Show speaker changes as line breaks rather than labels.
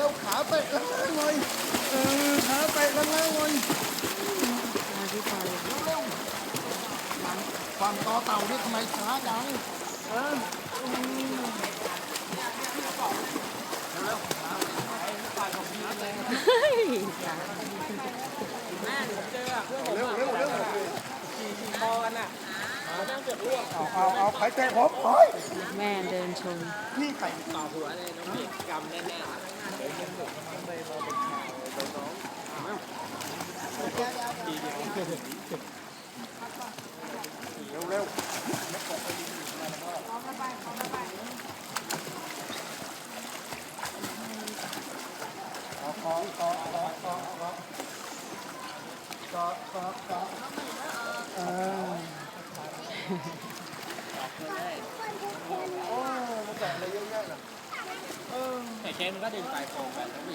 วขาเตะล่างเลยขาเตะล่างเลย
มาที่ไฟ
เร็วๆฝั่งต่อเต่านี่ทำไมช้าจังเร็ว
คอกันอ่ะนั่งเกือบร่วง
เอาใครเตะผมโอ้ย
แม่เดินชม
นี่ใคร
ต่อหัวเลยน้องพี่กำแน่
เร็ว
แต่เชนก็ดึงสายโฟมไป